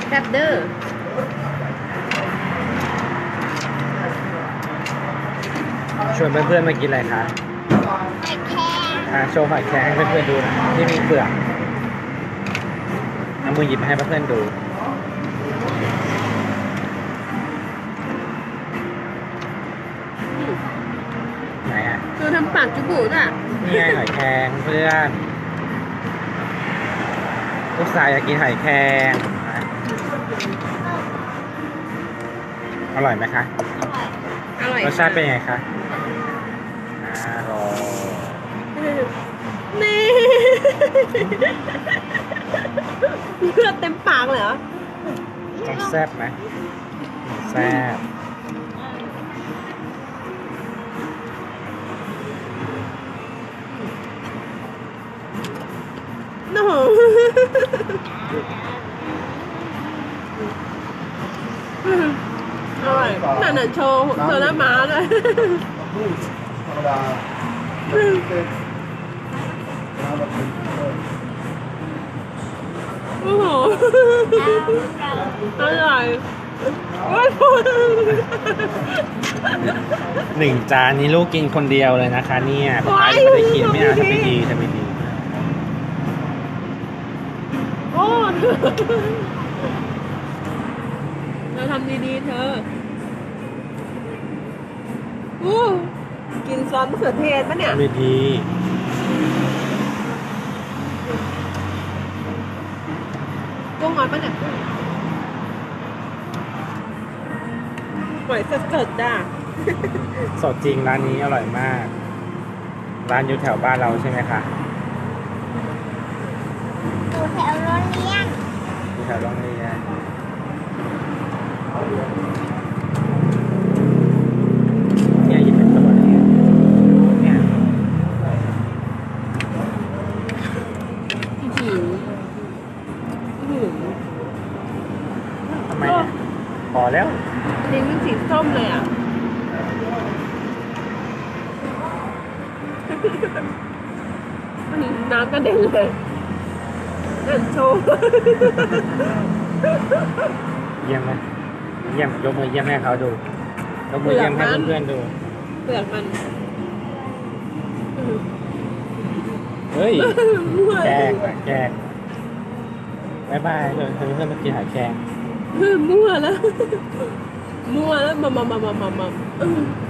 แซ่บเด้อชวนเพื่อนๆมากินอะไรคะไข่แครงโชว์หอยแครงให้เพื่อนๆดูหนะที่มีเปลือกเอามือหยิบมาให้เพื่อนๆดูไหนอ่ะเธอทำปากจุบุอ่ะนี่ไงหอยแครงเพื่อนลูกสาวอยากกินหอยแครงอร่อยไหมคะอร่อยรสชาติเป็นยังไงคะอร่อยนี่เลือดเต็มปากเลยเหรอต้องแซ่บไหมแซ่บโอ้โหอร่อยนั่นน่ะโชว์เธอหน้าม้าเลยธรรมดาเป็นน้ำแบบเป็นโอ้โหอร่อยโอ้ยพูดหนึ่งจานนี้ลูกกินคนเดียวเลยนะคะเนี่ยป๊าป๊ายังไม่ได้กินไม่เอาทำไม่ดีทำไม่ดีโอ้เธอทำดีๆเธออู้กินซอสมะเขือเทศปะเนี่ยทำไม่ดีกุ้งหอยปะเนี่ยหอยสดๆจ้ะสดจริงร้านนี้อร่อยมาก ร้านอยู่แถวบ้านเราใช่ไหมคะอยู่แถวโรงเรียนอยู่แถวโรงเรียนเนี่ยหยิบเป็นตัวเลยเนี่ยอื้อหืออื้อหือทำไมอ่ะพอแล้วลิ้นมันสีส้มเลยอ่ะน้ำกระเด็นเลยนั่นโชว์เยี่ยมไหมเยี่ยมยกมือเยี่ยมให้เขาดูยกมือเยี่ยมให้เพื่อนๆดูเปลือกมันเฮ้ยแกล้งอะแกล้งบายบายเลยเพื่อนๆมากินหอยแครงมั่วแล้ว มั่วแล้วมา